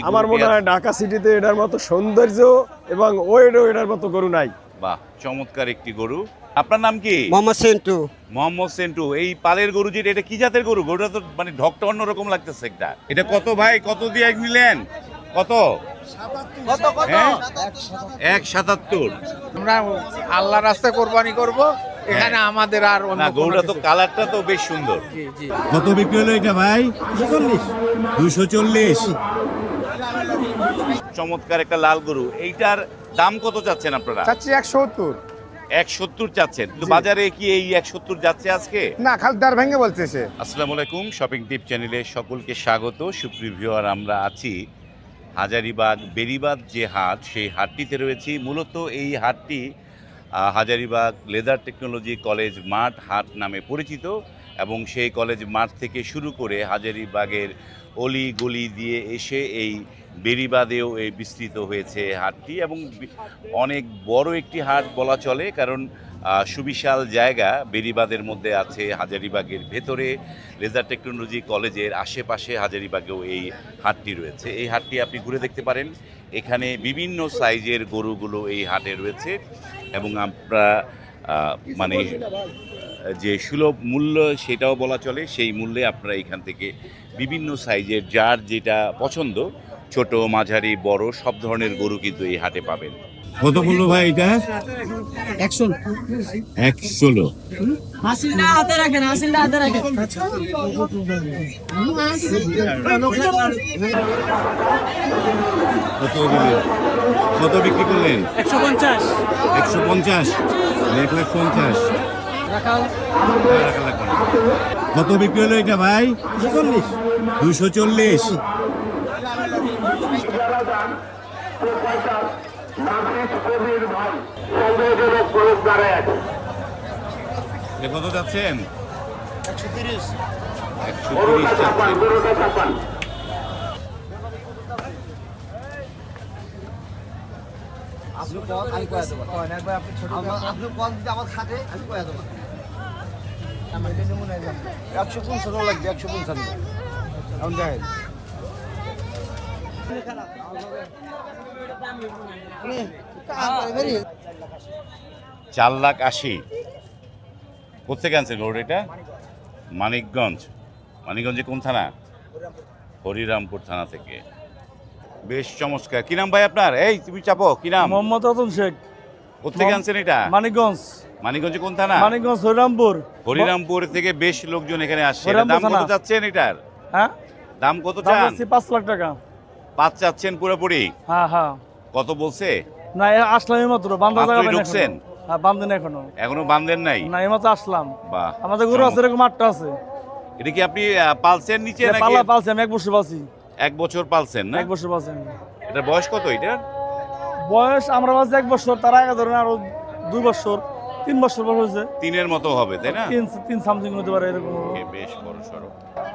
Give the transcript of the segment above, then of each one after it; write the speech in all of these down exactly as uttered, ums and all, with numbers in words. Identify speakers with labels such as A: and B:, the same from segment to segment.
A: আমার মনে হয় ঢাকা সিটিতে এটার মতো সৌন্দর্য এবং ওয়েটও এটার মতো গরু নাই।
B: বাহ, চমৎকার একটি গরু। আপনার নাম কি?
C: মোহাম্মদ সেন্টু।
B: মোহাম্মদ সেন্টু। এই পালের গরু যেটা, এটা কি জাতের গরু? গরুটা তো মানে ঢকটা অন্যরকম লাগতেছে একটা। এটা কত ভাই, কত দিয়ে নিলেন? কত? হ্যাঁ? এক সাতাত্তর।
D: আমরা আল্লাহর রাস্তায় কোরবানি করব, এখানে আমাদের আর অন্য
B: না,
D: কোনো
B: গরুটা তো
D: কিছু-
B: কালারটা তো বেশ সুন্দর।
D: জি জি।
B: কত বিক্রি হলো এটা ভাই? দুশো চল্লিশ। চমৎকার একটা লাল গরু। এইটার দাম কত চাচ্ছেন আপনারা?
E: চাচ্ছি একশো সত্তর।
B: এক সত্তর চাচ্ছেন, কিন্তু বাজারে কি এই এক সত্তর যাচ্ছে আজকে?
E: না, খালি দার ভেঙে বলছে সে।
B: আসসালামু আলাইকুম, শপিং টিপ চ্যানেলে সকলকে স্বাগত। সুপ্রিয় ভিউয়ার, আমরা আছি হাজারীবাগ বেরিবাদ যে হাট, সেই হাটটিতে রয়েছি। মূলত এই হাটটি আহ, হাজারীবাগ লেদার টেকনোলজি কলেজ মাঠ হাট নামে পরিচিত, এবং সেই কলেজ মাঠ থেকে শুরু করে হাজারীবাগের অলি গলি দিয়ে এসে এই বেরিবাদেও এই বিস্তৃত হয়েছে হাটটি, এবং বি- অনেক বড় একটি হাট বলা চলে, কারণ আহ, সুবিশাল জায়গা বেরিবাদের মধ্যে আছে। হাজারীবাগের ভেতরে লেজার টেকনোলজি কলেজের আশেপাশে হাজারীবাগেও এই হাটটি রয়েছে। এই হাটটি আপনি ঘুরে দেখতে পারেন। এখানে বিভিন্ন সাইজের গরুগুলো এই হাটে রয়েছে, এবং আমরা আহ, মানে যে সুলভ মূল্য সেটাও বলা চলে, সেই মূল্যে আপনারা এখান থেকে বিভিন্ন সাইজের যার যেটা পছন্দ, ছোট মাঝারি বড় সব ধরনের গরু কিন্তু এই হাটে পাবেন। কত মূল্য ভাই এটা?
C: একশো।
B: এক ষোলো।
C: হাসিলটা হাতে রাখেন, হাসিলটা হাতে রাখেন।
B: কত দিলেন? কত বিক্রি করলেন?
C: একশো পঞ্চাশ।
B: একশো পঞ্চাশ। এক লাখ পঞ্চাশ। কত বিক্রি হলো এটা ভাই?
C: চল্লিশ।
B: দুশো চল্লিশ। কত যাচ্ছেন? একশো তিরিশ যাচ্ছেন।
E: একশো পঞ্চান্ন লাগবে, একশো পঞ্চান্ন। এখন দেখেন
B: চার লাখ আশি। কোথেকে আনছেন গরু এটা? মানিকগঞ্জ। মানিকগঞ্জে কোন থানা? হরিরামপুর থানা থেকে। বেশ চমৎকার। কি নাম ভাই আপনার? এই তুমি চাপো, কি নাম?
F: মোহাম্মদ রতন শেখ।
B: কোথেকে আনছেন এটা?
F: মানিকগঞ্জ।
B: মানিকগঞ্জে কোন থানা?
F: মানিকগঞ্জ হরিরামপুর।
B: হরিরামপুর থেকে বেশ লোকজন এখানে আসছে। এটার
F: হরিরামপুর
B: দাম কত
F: থানা।
B: চাচ্ছেন এটার?
F: হ্যাঁ,
B: দাম কত
F: দাম
B: চান?
F: হচ্ছে পাঁচ লাখ টাকা।
B: পাঁচ চাচ্ছেন পুরোপুরি?
F: হ্যাঁ হ্যাঁ।
B: কত বলছে?
F: না, এ আসলাম এইমাত্র, বান্ধা
B: মাত্রই
F: জায়গা পাইনি
B: ঢুকছেন?
F: এখনো। হ্যাঁ, বান্ধেন এখনো।
B: এখনো বান্ধেন নাই?
F: না, এইমাত্র আসলাম।
B: বাহ,
F: আমাদের গরু আছে, এরকম আটটা আছে।
B: এটা কি আপনি আহ, পালছেন নিচে
F: এটা
B: নাকি?
F: পালা পালছি আমি, এক বছর পালছি।
B: এক বছর পালছেন না?
F: এক বছর পালছি আমি।
B: এটার বয়স কত এটার?
F: বয়স আমরা পালছি এক বছর, তার আগে ধরেন আরো দুই বছর, তিন বছর বয়স হয়েছে।
B: তিনের মতো হবে তাই না?
F: তিন তিন সামথিং হতে পারে এরকম।
B: ওকে, বেশ বড় সড়ো।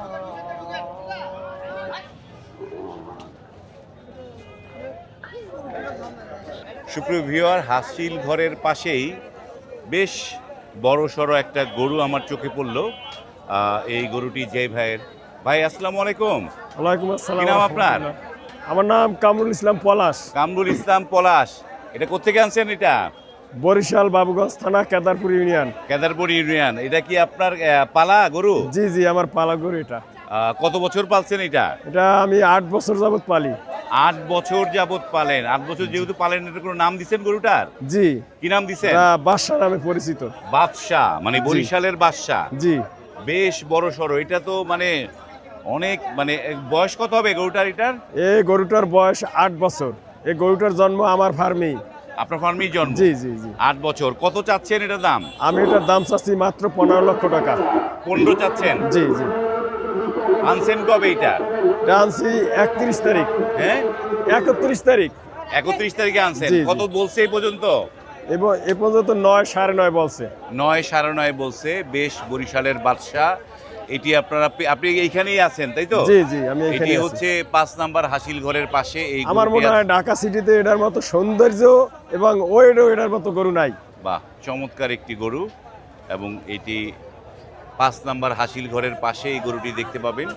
B: সুপ্রিয় ভিউয়ার, হাসিল ঘরের পাশেই বেশ বড় সড়ো একটা গরু আমার চোখে পড়লো। আহ, এই গরুটি যে ভাইয়ের। ভাই আসসালামু আলাইকুম।
A: ওয়ালাইকুম আসসালাম।
B: কি নাম আপনার?
A: আমার নাম কামরুল ইসলাম পলাশ।
B: কামরুল ইসলাম পলাশ। এটা কোত্থেকে আনছেন এটা?
A: বরিশাল বাবুগঞ্জ থানা, কেদারপুর ইউনিয়ন।
B: কেদারপুর ইউনিয়ন। এটা কি আপনার আহ, পালা গরু?
A: জি জি, আমার পালা গরু এটা।
B: আহ, কত বছর পালছেন এটা?
A: এটা আমি আট বছর যাবত পালি।
B: আট বছর যাবত পালেন। আট বছর যেহেতু পালেন, এটা কোনো নাম দিচ্ছেন গরুটার?
A: জি,
B: কি নাম দিচ্ছেন?
A: এটা বাদশা নামে পরিচিত।
B: বাদশাহ, মানে বরিশালের বাদশাহ।
A: জি,
B: বেশ বড় সড়ো। এটা তো মানে অনেক, মানে বয়স কত হবে গরুটার এটার?
A: এই গরুটার বয়স আট বছর। এই গরুটার জন্ম আমার ফার্মেই।
B: আপনার ফার্মেই জন্ম?
A: জি জি জি।
B: আট বছর। কত চাচ্ছেন এটার দাম?
A: আমি এটার দাম চাচ্ছি মাত্র পনেরো লক্ষ টাকা।
B: পনেরো চাচ্ছেন?
A: জি জি।
B: আনছেন কবে এটা?
A: এটা আনছি একত্রিশ তারিখ।
B: হ্যাঁ,
A: একত্রিশ তারিখ।
B: একত্রিশ তারিখে আনছেন।
A: জি, জি।
B: কত বলছে এই পর্যন্ত?
A: এবং এ পর্যন্ত নয় সাড়ে নয় বলছে।
B: নয় সাড়ে নয় বলছে। বেশ বরিশালের বাদশাহ। এটি আপনারা, আপনি এইখানেই আছেন তাই তো?
A: জি জি, আমি এখানে
B: এটি
A: আছি।
B: হচ্ছে পাঁচ নাম্বার হাসিল ঘরের পাশে। এই
A: আমার
B: গরুটি
A: মনে হয়
B: আছে।
A: ঢাকা সিটিতে এটার মতো সৌন্দর্য এবং ওয়েটও এটার মতো গরু নাই।
B: বাহ, চমৎকার একটি গরু। এবং এটি পাঁচ নাম্বার হাসিল ঘরের পাশে এই গরুটি দেখতে পাবেন।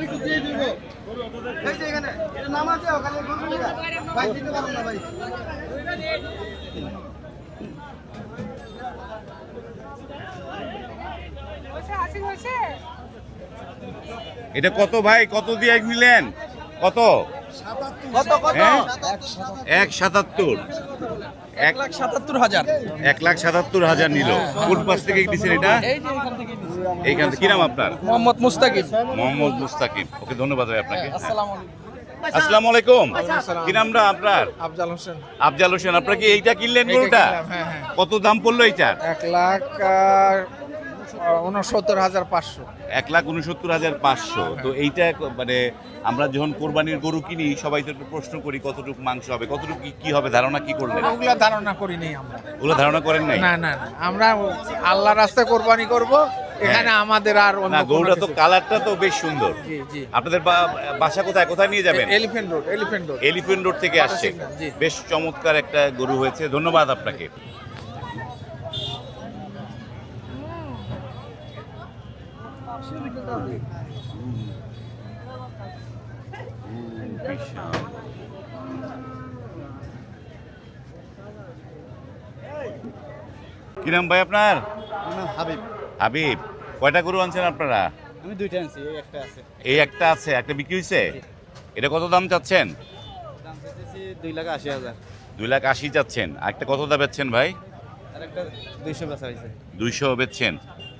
B: এটা কত ভাই, কত দিয়ে নিলেন, কত হ্যাঁ? এক সাতাত্তর এক লাখ
C: সাতাত্তর হাজার
B: এক লাখ সাতাত্তর হাজার নিল। কোন পাশ থেকে দিচ্ছেন এটা? এইখান থেকে। কি নাম আপনার?
C: মোহাম্মদ মুস্তাকিম।
B: মোহাম্মদ মুস্তাকিম। ওকে, ধন্যবাদ ভাই আপনাকে। আসসালামু আলাইকুম। কি নামটা আপনার?
D: আফজাল হোসেন।
B: আফজাল হোসেন। আপনার কি এইটা কিনলেন গরুটা?
D: হ্যাঁ হ্যাঁ।
B: কত দাম পড়লো এইটার?
D: এক লাখ উনসত্তর হাজার পাঁচশো।
B: এক লাখ উনসত্তর হাজার পাঁচশো। তো এইটা মানে আমরা যখন কোরবানির গরু কিনি সবাই তো একটু প্রশ্ন করি কতটুকু মাংস হবে, কতটুকু কি- কি হবে, ধারণা কি করলেন?
D: ওগুলা ধারণা করি নাই আমরা।
B: ওগুলো ধারণা করেন নাই?
D: না না না, আমরা আল্লাহ রাস্তায় কোরবানি করব, এখানে আমাদের আর অন্য
B: না,
D: কোনো
B: গরুটা তো
D: কিছু-
B: কালারটা তো বেশ সুন্দর।
D: জি জি।
B: আপনাদের বা- বাসা কোথায়, কোথায় নিয়ে যাবেন?
D: Elephant road, elephant road.
B: Elephant road থেকে আসছে।
D: জি।
B: বেশ চমৎকার একটা গরু হয়েছে, ধন্যবাদ আপনাকে। কি নাম ভাই আপনার?
E: হাবিব।
B: হাবিব। কয়টা গরু আনছেন আপনারা?
E: আমি দুইটা আনছি, এই একটা আছে।
B: এই একটা আছে, একটা বিক্রি হয়েছে। এটা কত দাম চাচ্ছেন?
E: দাম চাইতেছি দুই লাখ আশি হাজার।
B: দুই লাখ আশি চাচ্ছেন। আর একটা কত দাম বেচছেন ভাই?
E: আর একটা দুইশো বেচা হয়েছে।
B: দুইশো বেচছেন।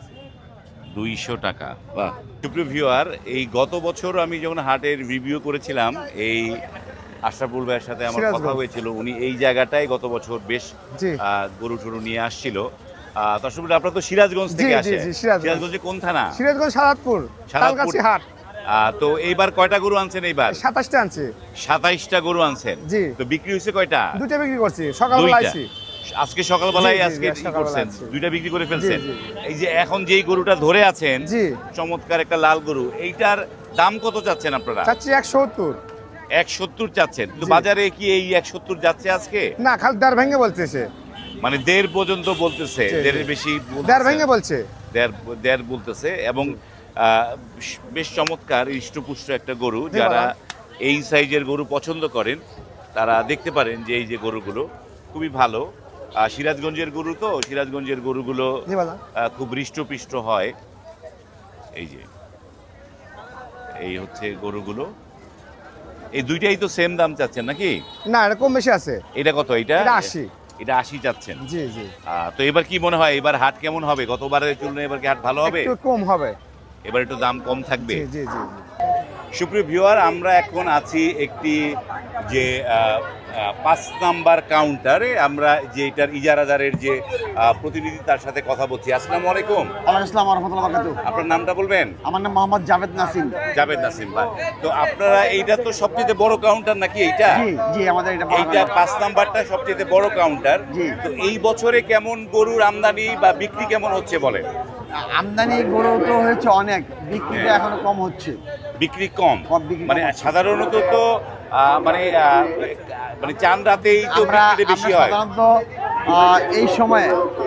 B: দুইশো টাকা। বাহ। সুপ্রিয় ভিউয়ার, এই গত বছর আমি যখন হাটের রিভিউ করেছিলাম, এই আশরাফুল ভাইয়ের সাথে আমার কথা হয়েছিল। উনি এই জায়গাটায় গত বছর বেশ আহ, গরু টরু নিয়ে আসছিল। আহ, তো আসলে আপনারা তো সিরাজগঞ্জ থেকে আসে। সিরাজগঞ্জে কোন থানা?
A: সিরাজগঞ্জ সাদাতপুর, তালগাছি হাট।
B: আহ, তো এইবার কয়টা গরু আনছেন? এইবার
A: সাতাশটা আনছে।
B: সাতাইশটা গরু আনছেন।
A: জি।
B: তো বিক্রি হয়েছে কয়টা?
A: দুইটা বিক্রি করছি সকালবেলা
B: দুইটা।
A: আইছি।
B: আজকে সকালবেলায়
A: জি, জি,
B: আজকে
A: জি,
B: কি
A: সকালবেলা
B: করছেন?
A: আছি।
B: দুইটা বিক্রি করে ফেলছেন।
A: জি, জি।
B: এই যে এখন যেই গরুটা ধরে আছেন,
A: জি।
B: চমৎকার একটা লাল গরু, এইটার দাম কত চাচ্ছেন আপনারা?
A: চাচ্ছি একশো সত্তর।
B: এক সত্তর চাচ্ছেন। তো
A: জি।
B: বাজারে কি এই এক সত্তর যাচ্ছে আজকে?
A: না, খালি দেড় ভেঙে বলতেছে।
B: মানে দেড় পর্যন্ত বলতেছে,
A: জি, জি।
B: দেড়ের বেশি বলতেছে।
A: দেড় ভেঙে বলছে।
B: দেড় দেড় বলতেছে। এবং আহ, বেশ চমৎকার হৃষ্টপুষ্ট একটা গরু।
A: জি,
B: যারা
A: বাবা।
B: এই সাইজের গরু পছন্দ করেন তারা দেখতে পারেন যে এই যে গরুগুলো খুবই ভালো। আহ, সিরাজগঞ্জের গরু তো, সিরাজগঞ্জের গরুগুলো
A: জি বাবা।
B: আহ, খুব হৃষ্টপুষ্ট হয়। এই যে এই হচ্ছে গরুগুলো। এই দুইটাই তো সেম দাম চাচ্ছেন নাকি?
A: না, এটা কম বেশি আছে।
B: এটা কত? এটা
A: এটা আশি।
B: এটা আশি চাচ্ছেন।
A: জি জি।
B: আহ, তো এবার কি মনে হয়, এবার হাট কেমন হবে? গতবারের তুলনায় এবার কি হাট ভালো হবে?
A: একটু কম হবে।
B: এবার একটু দাম কম থাকবে।
A: জি জি জি।
B: সুপ্রিয় ভিউয়ার, আমরা এখন আছি একটি যে আহ, আহ, পাঁচ নাম্বার কাউন্টারে। আমরা যে এটার ইজারাদারের যে আহ, প্রতিনিধি তার সাথে কথা বলছি। আসসালামু আলাইকুম।
E: ওয়ালাইকুম আসসালাম ওয়া রাহমাতুল্লাহি ওয়া বারাকাতুহু।
B: আপনার নামটা বলবেন?
E: আমার নাম মোহাম্মদ জাভেদ নাসিম।
B: জাভেদ নাসিম ভাই। তো আপনারা এইটা তো সবচেয়ে বড় কাউন্টার নাকি এইটা?
E: জি জি, আমাদের এটা বড়
B: এইটা
E: কাউন্টার।
B: পাঁচ নাম্বারটা সবচেয়ে বড় কাউন্টার।
E: জি।
B: তো এই বছরে কেমন গরুর আমদানি বা বিক্রি কেমন হচ্ছে বলেন?
E: আমদানি গরু তো হয়েছে অনেক, বিক্রিটা
B: হ্যাঁ।
E: এখনো কম হচ্ছে।
B: বিক্রি কম।
E: কম, বিক্রি কম
B: মানে
E: হচ্ছে।
B: সাধারণত তো আহ, মানে আহ, মানে চাঁদ রাতেই তো
E: আমরা
B: বিক্রিটা বেশি
E: আমরা
B: হয়।
E: সাধারণত আহ, এই সময়ে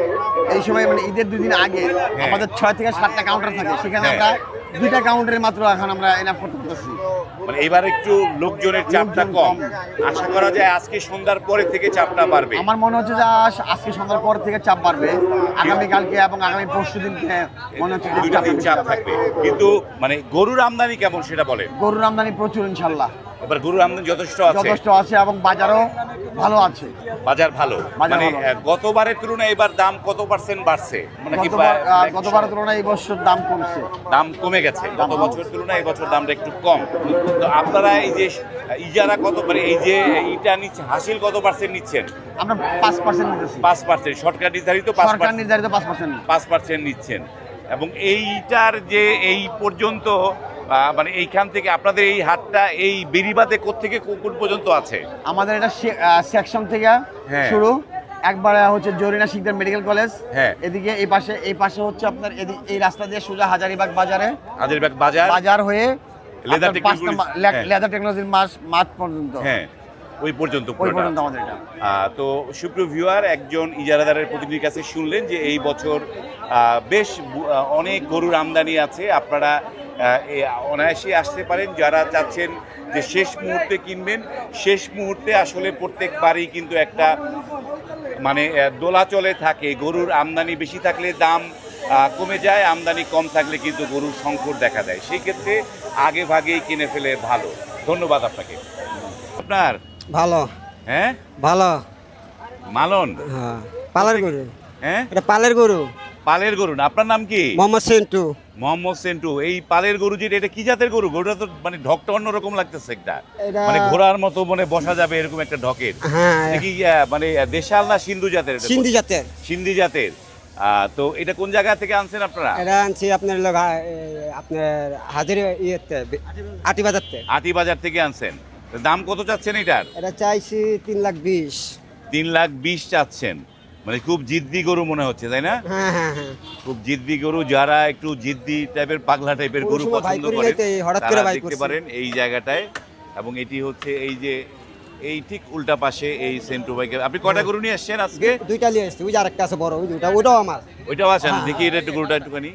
E: এই সময় মানে ঈদের দুদিন আগে
B: হ্যাঁ।
E: আমাদের ছয় থেকে সাতটা কাউন্টার থাকে, সেখানে
B: হ্যাঁ।
E: আমরা দুইটা কাউন্টারে মাত্র এখন আমরা এনাফ করতে পারতেছি।
B: মানে এবার একটু লোকজনের চাপটা
E: লোকজন
B: কম।
E: কম।
B: আশা করা যায় আজকে সন্ধ্যার পরে থেকে চাপটা বাড়বে।
E: আমার মনে হচ্ছে যে আজ- আজকে সন্ধ্যার পর থেকে চাপ বাড়বে, আগামীকালকে এবং আগামী পরশু দিনকে মনে হচ্ছে যে
B: দুইটা
E: চাপটা
B: দিন
E: বেশি
B: চাপ
E: হবে।
B: থাকবে। কিন্তু মানে গরুর আমদানি কেমন সেটা বলেন।
E: গরুর আমদানি প্রচুর ইনশাল্লাহ,
B: এবার গরুর আমদানি যথেষ্ট আছে।
E: যথেষ্ট আছে এবং বাজারও ভালো আছে।
B: বাজার ভালো।
E: বাজার
B: মানে
E: ভালো।
B: আহ, গতবারের তুলনায় এবার দাম কত পার্সেন্ট বাড়ছে? মানে কি
E: গতবার
B: বা-
E: আহ, গতবারের তুলনায় এই বছর দাম কমছে।
B: দাম কমে গেছে। গত
E: দাম-
B: বছরের তুলনায় এই বছর দামটা একটু কম। তো আপনারা এই যে ইজারা কত, মানে এই যে ইটা নিচ্ছে, হাসিল কত পার্সেন্ট নিচ্ছেন?
E: আমরা পাঁচ পার্সেন্ট নিতেছি,
B: পাঁচ পার্সেন্ট সরকার নির্ধারিত পাঁচ
E: সরকার
B: পার্সেন্ট
E: নির্ধারিত পাঁচ পার্সেন্ট।
B: পাঁচ পার্সেন্ট নিচ্ছেন। এবং এইটার যে এই পর্যন্ত আহ, মানে এইখান থেকে আপনাদের এই হাটটা এই বেরিবাদে কোত্থেকে কোন পর্যন্ত আছে?
E: আমাদের এটা সেকশন থেকে
B: হ্যাঁ।
E: শুরু, একবারে হচ্ছে জরিনা শিকদার মেডিকেল কলেজ,
B: হ্যাঁ।
E: এদিকে এই পাশে এই পাশে হচ্ছে আপনার এদি- এই রাস্তা দিয়ে সোজা হাজারিবাগ বাজারে
B: হাজারীবাগ বাজার,
E: বাজার হয়ে
B: লেদার
E: আপনার পাঁচ
B: টেকনোলজি-
E: নাম্বার লে-
B: হ্যাঁ।
E: লেদার টেকনোলজির মাস মাঠ পর্যন্ত।
B: হ্যাঁ। ওই পর্যন্ত
E: ওই
B: পুরোটা
E: পর্যন্ত
B: আছে।
E: আমাদের এটা।
B: আহ, তো সুপ্রিয় ভিউয়ার, একজন ইজারাদারের প্রতিনিধির কাছে শুনলেন যে এই বছর আহ, বেশ বু- আহ, অনেক গরুর আমদানি আছে। আপনারা আহ, এ অনায়াসে আসতে পারেন যারা চাচ্ছেন যে শেষ মুহূর্তে কিনবেন। শেষ মুহূর্তে আসলে প্রত্যেকবারই কিন্তু একটা মানে আহ, দোলাচলে থাকে। গরুর আমদানি বেশি থাকলে দাম আহ, কমে যায়, আমদানি কম থাকলে কিন্তু গরুর সংকট দেখা দেয়। সেই ক্ষেত্রে আগে ভাগেই কিনে ফেলে ভালো। ধন্যবাদ আপনাকে। আপনার
C: ভালো
B: হ্যাঁ
C: ভালো
B: মালন,
C: হ্যাঁ পালের গরু
B: হ্যাঁ
C: এটা পালের গরু
B: পালের গরু না? আপনার নাম কি?
C: মোহাম্মদ সেন্টু
B: মোহাম্মদ সেন্টু। এই পালের গরু যেটা, এটা কি জাতের গরু? গরুটা তো মানে ঢকটা অন্যরকম লাগতেছে একটা,
C: এটা
B: মানে ঘোড়ার মতো মানে বসা যাবে এরকম একটা ঢকের।
C: হ্যাঁ
B: এটা কি আহ, মানে দেশাল না সিন্ধু জাতের? এটা
C: সিন্ধি জাতের
B: সিন্ধি জাতের। আহ, তো এটা কোন জায়গা থেকে আনছেন আপনারা?
C: এটা আনছি আপনার লোক আপনার হাজির ইয়েতে আটি বাজারতে
B: আটি বাজার থেকে আনছেন। তো দাম কত চাচ্ছেন এটার?
C: এটা চাইছি তিন লাখ বিশ
B: তিন লাখ বিশ চাচ্ছেন। মানে খুব জিদ্দি গরু মনে হচ্ছে, তাই না?
C: হ্যাঁ হ্যাঁ হ্যাঁ
B: খুব জিদ্দি গরু। যারা একটু জিদ্দি টাইপের পাগলা টাইপের
C: ওই
B: গরু
C: সময় ভাই
B: পছন্দ
C: করি
B: করেন
C: নাই তো, এই হঠাৎ করে
B: তারা
C: ভাই
B: দেখতে
C: করছি।
B: পারেন এই জায়গাটায়। এবং এটি হচ্ছে এই যে এই ঠিক উল্টা পাশে এই সেন্টু বাইকের। আপনি কয়টা গরু নিয়ে আসছেন আজকে?
C: দুইটা নিয়ে আসছি, ওই যে আরেকটা আছে বড়, ওই দুইটা, ওইটাও আমার।
B: ওইটাও আছেন?
C: হ্যাঁ।
B: দেখি এটা একটু গরুটা একটুখানি।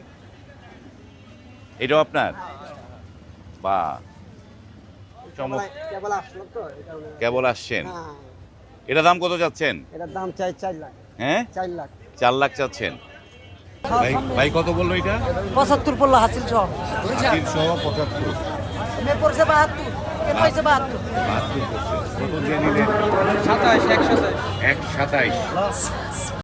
B: এটাও আপনার? বা চমৎকার।
C: কেবল আসলো তো, এটা হলো-
B: কেবল আসছেন?
C: হ্যাঁ,
B: এটা দাম কত চাচ্ছেন?
C: এটার দাম চাই চার লাখ
B: হ্যাঁ,
C: চার লাখ
B: চার লাখ চাচ্ছেন। ভাই ভাই কত বললো এটা?
C: পঁচাত্তর পড়লো হাসিল সহ
B: তিনশো পঁচাত্তর।
C: পড়ছে বাহাত্তর পয়সা বাহাত্তর
B: বাহাত্তর করছে। কত দিয়ে নিলেন?
C: সাতাশ একশো
B: এক সাতাইশ।